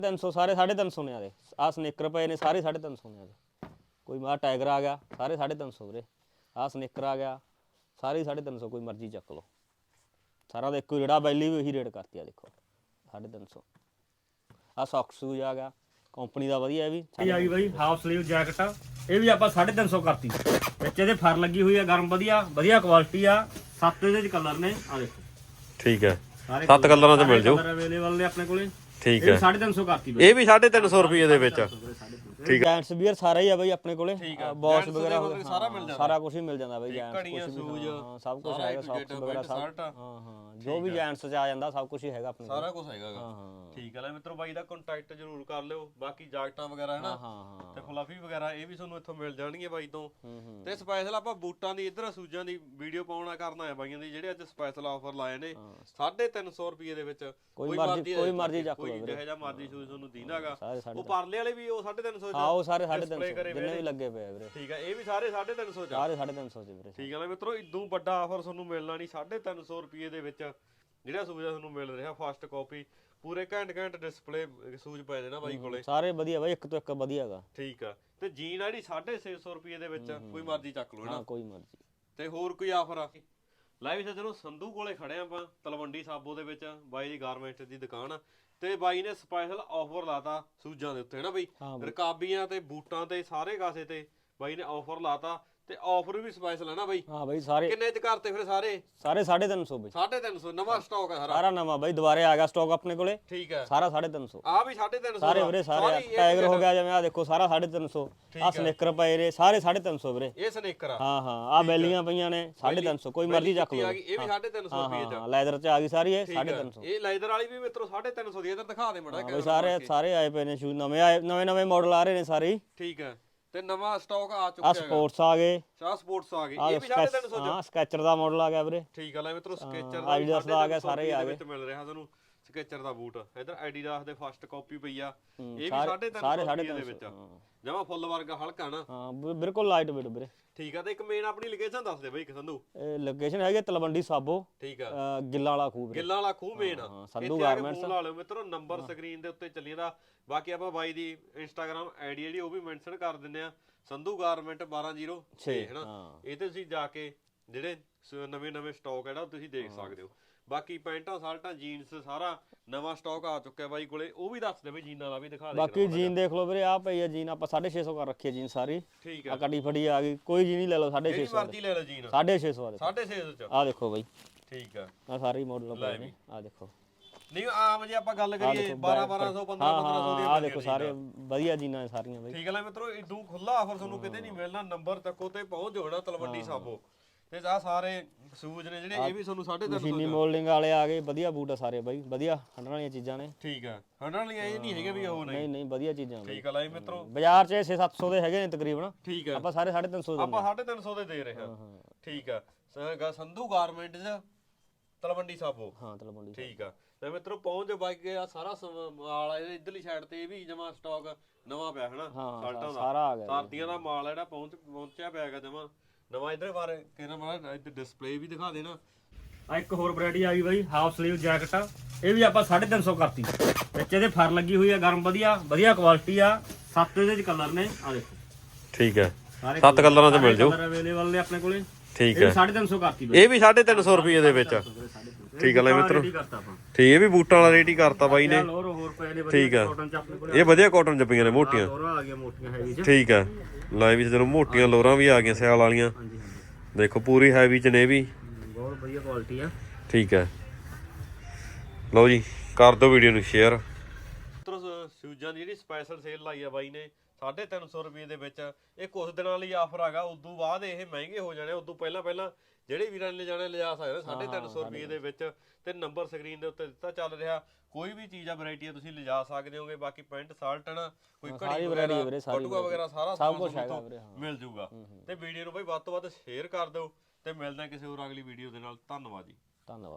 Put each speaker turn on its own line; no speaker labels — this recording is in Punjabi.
350 ਸਾਰੇ 350 ਨੇ ਆਦੇ ਆ ਸਨੇਕਰ ਪਏ ਨੇ ਸਾਰੇ 350 ਨੇ ਆਦੇ ਕੋਈ ਮਾ ਟਾਈਗਰ ਆ ਗਿਆ ਸਾਰੇ 350 ਵੀਰੇ ਆ ਸਨੇਕਰ ਆ ਗਿਆ ਸਾਰੇ 350 ਕੋਈ ਮਰਜ਼ੀ ਚੱਕ ਲਓ ਸਾਰਾ ਦਾ ਇੱਕੋ ਜਿਹੜਾ ਬੈਲੀ ਵੀ ਉਹੀ ਰੇਟ ਕਰਤੀ ਆ ਦੇਖੋ 350 ਆ ਸੌਕਸ ਸ਼ੂਜ਼ ਆ ਗਿਆ ਕੰਪਨੀ ਦਾ ਵਧੀਆ ਇਹ ਵੀ ਆ ਗਈ ਬਾਈ ਹਾਫ ਸਲੀਵ ਜੈਕਟ ਇਹ ਵੀ ਆਪਾਂ 350 ਕਰਤੀ ਵਿੱਚ ਇਹਦੇ ਫਰ ਲੱਗੀ ਹੋਈ ਆ ਗਰਮ ਵਧੀਆ ਵਧੀਆ ਕੁਆਲਿਟੀ ਆ 7 ਇਹਦੇ ਚ ਕਲਰ ਨੇ ਆ ਦੇਖੋ
ਠੀਕ ਹੈ 7 ਕਲਰਾਂ ਚ ਮਿਲ ਜਾਓ
ਅਵੇਲੇਬਲ ਨੇ ਆਪਣੇ ਕੋਲੇ
ਠੀਕ ਹੈ
350 ਕਰਤੀ
ਇਹ ਵੀ 350 ਰੁਪਏ ਦੇ ਵਿੱਚ
ਠੀਕ ਹੈ ਜੈਂਟਸ ਵੀਅਰ ਸਾਰਾ ਹੀ ਆ ਬਾਈ ਆਪਣੇ ਕੋਲੇ ਬੌਸ ਵਗੈਰਾ
ਸਾਰਾ ਮਿਲ ਜਾਂਦਾ
ਸਾਰਾ ਕੁਝ ਹੀ ਮਿਲ ਜਾਂਦਾ ਬਾਈ ਜੈਂਟਸ
ਘੜੀਆਂ ਸ਼ੂਜ਼
ਸਭ ਕੁਝ ਹੈਗਾ ਸੌਕਸ ਵਗੈਰਾ ਸਭ ਹਾਂ ਜੋ ਵੀ ਜੈਂਟਸ ਚ ਆ ਜਾਂਦਾ ਸਭ ਕੁਝ ਹੀ ਹੈਗਾ ਆਪਣੇ ਕੋਲ
ਸਾਰਾ ਕੁਝ ਹੈਗਾ ਠੀਕ ਹੈ ਲੈ ਮਿੱਤਰੋ ਬਾਈ ਦਾ ਕੰਟੈਕਟ ਜ਼ਰੂਰ ਕਰ ਲਿਓ ਬਾਕੀ ਜਾਕਟਾਂ ਵਗੈਰਾ ਹੈ ਨਾ ਤੇ ਫਲਫੀ ਵਗੈਰਾ ਇਹ ਵੀ ਤੁਹਾਨੂੰ ਇੱਥੋਂ ਮਿਲ ਜਾਣਗੇ ਬਾਈ ਤੋਂ ਤੇ ਸਪੈਸ਼ਲ ਆਪਾਂ ਬੂਟਾਂ ਦੀ ਇੱਧਰ ਸੂਜਾਂ ਦੀ ਵੀਡੀਓ ਪਾਉਣਾ ਕਰਨਾ ਹੈ ਬਾਈਆਂ ਦੀ ਜਿਹੜੇ ਅੱਜ ਸਪੈਸ਼ਲ ਆਫਰ ਲਾਏ ਨੇ 350 ਰੁਪਏ ਦੇ ਵਿੱਚ
ਕੋਈ ਮਰਜ਼ੀ ਚੱਕ ਲਓ
ਜਿਹੋ ਜਿਹਾ ਮਰਜ਼ੀ ਸ਼ੂਜ਼ ਤੁਹਾਨੂੰ ਦੀਨਾਗਾ ਉਹ ਪਰਲੇ ਵਾਲੇ ਵੀ ਉਹ 350
ਹਾਂ ਉਹ ਸਾਰੇ 350 ਜਿੰਨੇ ਵੀ ਲੱਗੇ ਪਏ ਵੀਰੇ
ਠੀਕ ਹੈ ਇਹ ਵੀ ਸਾਰੇ 350 ਚ
ਸਾਰੇ 350 ਚ ਵੀਰੇ
ਠੀਕ ਹੈ ਲੈ ਮਿੱਤਰੋ ਇਦੋਂ ਵੱਡਾ ਆਫਰ ਤੁਹਾਨੂੰ ਮਿਲਣਾ ਨਹੀਂ 350 ਰੁਪਏ ਦੇ ਵਿੱਚ ਜਿਹੜਾ ਸੂਜ਼ ਤੁਹਾਨੂੰ ਮਿਲ ਰਿਹਾ ਫਸਟ ਕਾਪੀ ਪੂਰੇ ਘੈਂਟ ਡਿਸਪਲੇ ਸੂਜ਼ ਪਏ ਨੇ ਨਾ ਬਾਈ ਕੋਲੇ
ਸਾਰੇ ਵਧੀਆ ਬਾਈ ਇੱਕ ਤੋਂ ਇੱਕ ਵਧੀਆਗਾ
ਠੀਕ ਆ ਤੇ ਜੀਨ ਜਿਹੜੀ 650 ਰੁਪਏ ਦੇ ਵਿੱਚ ਕੋਈ ਮਰਜ਼ੀ ਚੱਕ ਲਓ
ਹਾਂ ਕੋਈ ਮਰਜ਼ੀ
ਤੇ ਹੋਰ ਕੋਈ ਆਫਰ ਆ ਲੈ ਵੀ ਚਲੋ ਸੰਧੂ ਕੋਲੇ ਖੜੇ ਆਪਾਂ ਤਲਵੰਡੀ ਸਾਬੋ ਦੇ ਵਿੱਚ ਬਾਈ ਦੀ ਗਾਰਮੈਂਟ ਦੀ ਦੁਕਾਨ ਆ ਤੇ ਬਾਈ ਨੇ ਸਪੈਸ਼ਲ ਆਫਰ ਲਾਤਾ ਸੂਜ਼ਾਂ ਦੇ ਉੱਤੇ ਹੈ ਨਾ ਬਾਈ ਰਕਾਬੀਆਂ ਤੇ ਬੂਟਾਂ ਤੇ ਸਾਰੇ ਕਾਸੇ ਤੇ ਬਾਈ ਨੇ ਆਫਰ ਲਾਤਾ ਤੇ ਆਫਰ ਵੀ ਸਪੈਸ਼ਲ ਹੈ ਨਾ ਬਾਈ
ਹਾਂ ਬਾਈ ਸਾਰੇ
ਕਿੰਨੇ ਚ ਕਰਤੇ ਫਿਰ ਸਾਰੇ
350 ਬਾਈ
350 ਨਵਾਂ ਸਟਾਕ ਹੈ
ਸਾਰਾ ਨਵਾਂ ਬਾਈ ਦੁਬਾਰੇ ਆ ਗਿਆ ਸਟਾਕ ਆਪਣੇ ਕੋਲੇ
ਠੀਕ ਹੈ
ਸਾਰਾ 350
ਆ ਵੀ 350
ਸਾਰੇ ਵੀਰੇ ਸਾਰੇ ਟਾਈਗਰ ਹੋ ਗਿਆ ਜਿਵੇਂ ਆ ਦੇਖੋ ਸਾਰਾ 350 ਆ ਸਨੇਕਰ ਪਏ ਨੇ ਸਾਰੇ 350 ਵੀਰੇ
ਇਹ ਸਨੇਕਰ ਆ
ਹਾਂ ਆ ਬੈਲੀਆਂ ਪਈਆਂ ਨੇ 350 ਕੋਈ ਮਰਜ਼ੀ ਚੱਕ ਲਓ
ਇਹ ਵੀ 350 ਰੁਪਏ ਚ
ਲੈਦਰ ਚ ਆ ਗਈ ਸਾਰੀ ਇਹ 350
ਇਹ ਲੈਦਰ ਵਾਲੀ ਵੀ ਮਿੱਤਰੋ 350 ਦੀ ਇਧਰ ਦਿਖਾ ਦੇ ਮੜਾ
ਬਾਈ ਸਾਰੇ ਆਏ ਪਏ ਨੇ ਸ਼ੂਜ਼ ਨਵੇਂ ਮਾਡਲ ਆ ਰਹੇ ਨੇ ਸਾਰੇ
ਠੀਕ ਹੈ ਤੇ ਨਵਾਂ ਸਟਾਕ ਆ ਚੁੱਕਿਆ
ਆ ਸਪੋਰਟਸ ਆ ਗਏ
ਸ਼ਾਹ ਸਪੋਰਟਸ ਆ ਗਏ ਇਹ ਵੀ 350
ਹਾਂ ਸਕੈਚਰ ਦਾ ਮਾਡਲ ਆ ਗਿਆ ਵੀਰੇ
ਠੀਕ ਆ ਲੈ ਮਿੱਤਰੋ ਸਕੈਚਰ ਦਾ
ਐਡੀਡਾਸ ਦਾ ਆ ਗਿਆ ਸਾਰੇ ਆ ਗਏ
ਮਿਲ ਰਿਹਾ ਤੁਹਾਨੂੰ ਸਕੈਚਰ ਦਾ ਬੂਟ ਇਧਰ ਐਡੀਡਾਸ ਦੇ ਫਸਟ ਕਾਪੀ ਪਈ ਆ ਇਹ ਵੀ 350 ਦੇ ਵਿੱਚ ਜਮਾ ਫੁੱਲ ਵਰਗਾ ਹਲਕਾ ਨਾ
ਹਾਂ ਬਿਲਕੁਲ ਲਾਈਟ ਵੇਟ ਵੀਰੇ
ਠੀਕ ਆ ਤੇ ਇੱਕ ਮੇਨ ਆਪਣੀ ਲੋਕੇਸ਼ਨ ਦੱਸ ਦੇ ਬਈ ਸੰਧੂ
ਇਹ ਲੋਕੇਸ਼ਨ ਹੈਗੀ ਤਲਵੰਡੀ ਸਾਬੋ
ਠੀਕ ਆ
ਗਿੱਲਾਂ ਵਾਲਾ ਖੂਹ
ਗਿੱਲਾਂ ਵਾਲਾ ਖੂਹ ਮੇਨ ਆ
ਸੰਧੂ ਗਾਰਮੈਂਟਸ
ਲਾ ਲਿਓ ਮਿੱਤਰੋ ਨੰਬਰ ਸਕਰੀਨ ਦੇ ਉੱਤੇ ਚੱਲੀ ਜਾਂਦਾ ਬਾਕੀ ਆਪਾਂ ਬਾਈ ਦੀ ਇੰਸਟਾਗ੍ਰam ਆਈਡੀ ਜਿਹੜੀ ਉਹ ਵੀ ਮੈਂਸ਼ਨ ਕਰ ਦਿੰਦੇ ਆ ਸੰਧੂ ਗਾਰਮੈਂਟ 1206 ਹੈਨਾ ਇਹ ਤੇ ਤੁਸੀਂ ਜਾ ਕੇ ਜਿਹੜੇ ਨਵੇਂ ਸਟਾਕ ਹੈ ਨਾ ਤੁਸੀਂ ਦੇਖ ਸਕਦੇ ਹੋ ਬਾਕੀ ਪੈਂਟਾਂ ਸ਼ਰਟਾਂ ਜੀਨਸ ਸਾਰਾ ਨਵਾਂ ਸਟਾਕ ਆ ਚੁੱਕਿਆ ਬਾਈ ਕੋਲੇ ਉਹ ਵੀ ਦੱਸ ਦੇ ਬਈ ਜੀਨਾਂ ਦਾ ਵੀ ਦਿਖਾ ਦੇ
ਬਾਕੀ ਜੀਨ ਦੇਖ ਲਓ ਵੀਰੇ ਆ ਪਈ ਆ ਜੀਨ ਆਪਾਂ 650 ਕਰ ਰੱਖੀ ਹੈ ਜੀਨ ਸਾਰੀ
ਠੀਕ
ਆ ਕੱਡੀ ਫੜੀ ਆ ਗਈ ਕੋਈ ਜੀਨ ਹੀ ਲੈ ਲਓ 650
ਮਰਜ਼ੀ ਲੈ ਲਓ ਜੀਨ
650 ਆ
650 ਚ
ਆ ਦੇਖੋ ਬਾਈ
ਠੀਕ ਆ
ਸਾਰੇ ਮਾਡਲ ਪਏ ਨੇ ਆ ਦੇਖੋ
ਨਹੀਂ ਆਮ ਜੇ ਆਪਾਂ ਗੱਲ ਕਰੀਏ 1200 1500 ਦੀ
ਆ ਦੇਖੋ ਸਾਰੇ ਵਧੀਆ ਜੀਨਾਂ ਸਾਰੀਆਂ ਬਾਈ
ਠੀਕ ਹੈ ਲੈ ਮਿੱਤਰੋ ਇਦੋਂ ਖੁੱਲਾ ਆਫਰ ਤੁਹਾਨੂੰ ਕਿਤੇ ਨਹੀਂ ਮਿਲਣਾ ਨੰਬਰ ਤੱਕੋ ਤੇ ਪਹੁੰਚ ਜਾਣਾ ਤਲਵੰਡੀ ਸਾਬੋ ਤੇ ਆ ਸਾਰੇ ਸ਼ੂਜ਼ ਨੇ ਜਿਹੜੇ ਇਹ ਵੀ ਤੁਹਾਨੂੰ 350
ਮਸ਼ੀਨੀ ਮੋਲਡਿੰਗ ਵਾਲੇ ਆ ਗਏ ਵਧੀਆ ਬੂਟ ਆ ਸਾਰੇ ਬਾਈ ਵਧੀਆ ਹੰਡਣ ਵਾਲੀਆਂ ਚੀਜ਼ਾਂ ਨੇ
ਠੀਕ ਆ ਹੰਡਣ ਵਾਲੀਆਂ ਇਹ ਨਹੀਂ ਹੈਗੇ ਵੀ ਉਹ
ਨਹੀਂ ਵਧੀਆ ਚੀਜ਼ਾਂ
ਠੀਕ ਆ ਲੈ ਮਿੱਤਰੋ
ਬਾਜ਼ਾਰ 'ਚ 6-700 ਦੇ ਹੈਗੇ ਨੇ ਤਕਰੀਬਨ
ਠੀਕ ਆ
ਆਪਾਂ ਸਾਰੇ 350 ਦੇ
ਆਪਾਂ 350 ਦੇ ਦੇ ਰਹੇ ਹਾਂ ਠੀਕ ਆ ਸੰਧੂ ਗਾਰਮੈਂਟ ਚ ਤਲਵੰਡੀ ਸਾਬੋ
ਹਾਂ ਤਲਵੰਡੀ
ਠੀਕ ਆ ਤੇ ਮਿੱਤਰੋ ਪਹੁੰਚ ਬਾਈਕ ਆ ਸਾਰਾ ਮਾਲ ਇਹਦੇ ਇਧਰਲੀ ਸਾਈਡ ਤੇ ਇਹ ਵੀ ਜਮਾ ਸਟਾਕ ਨਵਾਂ ਪਿਆ ਹਨਾ ਸ਼ਰਟਾਂ ਦਾ
ਸਾਰਾ ਆ ਗਿਆ
ਸਰਦੀਆਂ ਦਾ ਮਾਲ ਜਿਹੜਾ ਪਹੁੰਚਿਆ ਪਿਆ ਹੈਗਾ ਜਮਾ ਨਵਾਂ ਇਧਰ ਬਾਰੇ ਕਿਹਨਾਂ ਮਾੜਾ ਇੱਧਰ ਡਿਸਪਲੇ ਵੀ ਦਿਖਾ ਦੇਣਾ
ਆ ਇੱਕ ਹੋਰ ਵੈਰਾਈਟੀ ਆ ਗਈ ਬਾਈ ਹਾਫ ਸਲੀਵ ਜੈਕਟ ਇਹ ਵੀ ਆਪਾਂ 350 ਕਰਤੀ ਵਿੱਚ ਇਹਦੇ ਫਰ ਲੱਗੀ ਹੋਈ ਆ ਗਰਮ ਵਧੀਆ ਕੁਆਲਿਟੀ ਆ 7 ਇਹਦੇ ਚ ਕਲਰ ਨੇ ਆ ਦੇਖੋ
ਠੀਕ ਹੈ 7 ਕਲਰਾਂ ਚ ਮਿਲ ਜਾਓ
ਅਵੇਲੇਬਲ ਨੇ ਆਪਣੇ ਕੋਲੇ
ਠੀਕ ਹੈ
350 ਕਰਤੀ
ਇਹ ਵੀ 350 ਰੁਪਏ ਦੇ ਵਿੱਚ ਠੀਕ ਹੈ ਲੈ ਮਿੱਤਰੋ ਠੀਕ ਇਹ ਵੀ ਬੂਟਾਂ ਵਾਲਾ ਰੇਟ ਹੀ ਕਰਤਾ ਬਾਈ ਨੇ ਠੀਕ ਆ ਇਹ ਵਧੀਆ ਕਾਟਨ ਜੱਪੀਆਂ ਨੇ ਮੋਟੀਆਂ ਠੀਕ ਆ ਲੈ ਵੀ ਚਲੋ ਮੋਟੀਆਂ ਲੋਰਾਂ ਵੀ ਆ ਗਈਆਂ ਸਿਆਲ ਵਾਲੀਆਂ ਦੇਖੋ ਪੂਰੀ ਹੈਵੀ ਚ ਨੇ ਵੀ
ਬਹੁਤ ਵਧੀਆ ਕੁਆਲਿਟੀ ਆ
ਠੀਕ ਹੈ ਲਓ ਜੀ ਕਰ ਦਿਓ ਵੀਡੀਓ ਨੂੰ ਸ਼ੇਅਰ
ਸ਼ੂਜ਼ਾਂ ਦੀ ਜਿਹੜੀ ਸਪੈਸ਼ਲ ਸੇਲ ਲਾਈ ਆ ਬਾਈ ਨੇ 350 ਰੁਪਏ ਦੇ ਵਿੱਚ ਇਹ ਕੁਝ ਦਿਨਾਂ ਲਈ ਆਫਰ ਹੈਗਾ ਉਦੋਂ ਬਾਅਦ ਇਹ ਮਹਿੰਗੇ ਹੋ ਜਾਣੇ ਉਦੋਂ ਪਹਿਲਾਂ ਜਿਹੜੇ ਵੀਰਾਂ ਨੇ ਲਿਜਾਣੇ ਲਿਜਾ ਸਕਦੇ 350 ਰੁਪਏ ਦੇ ਵਿੱਚ ਤੇ ਨੰਬਰ ਸਕਰੀਨ ਦੇ ਉੱਤੇ ਦਿੱਤਾ ਚੱਲ ਰਿਹਾ ਕੋਈ ਵੀ ਚੀਜ਼ ਆ ਵੈਰਾਈਟੀ ਆ ਤੁਸੀਂ ਲਿਜਾ ਸਕਦੇ ਹੋਗੇ ਬਾਕੀ ਪੈਂਟ ਸ਼ਰਟ ਨਾ ਕੋਈ ਘੜੀ ਵਗੈਰਾ ਬਟੂਆ ਵਗੈਰਾ ਸਾਰਾ
ਸਭ ਕੁਝ ਹੈਗਾ ਵੀਰੇ
ਮਿਲ ਜੂਗਾ ਤੇ ਵੀਡੀਓ ਨੂੰ ਬਾਈ ਵੱਧ ਤੋਂ ਵੱਧ ਸ਼ੇਅਰ ਕਰ ਦਿਓ ਤੇ ਮਿਲਦੇ ਆ ਕਿਸੇ ਹੋਰ ਅਗਲੀ ਵੀਡੀਓ ਦੇ ਨਾਲ ਧੰਨਵਾਦ ਜੀ
ਧੰਨਵਾਦ।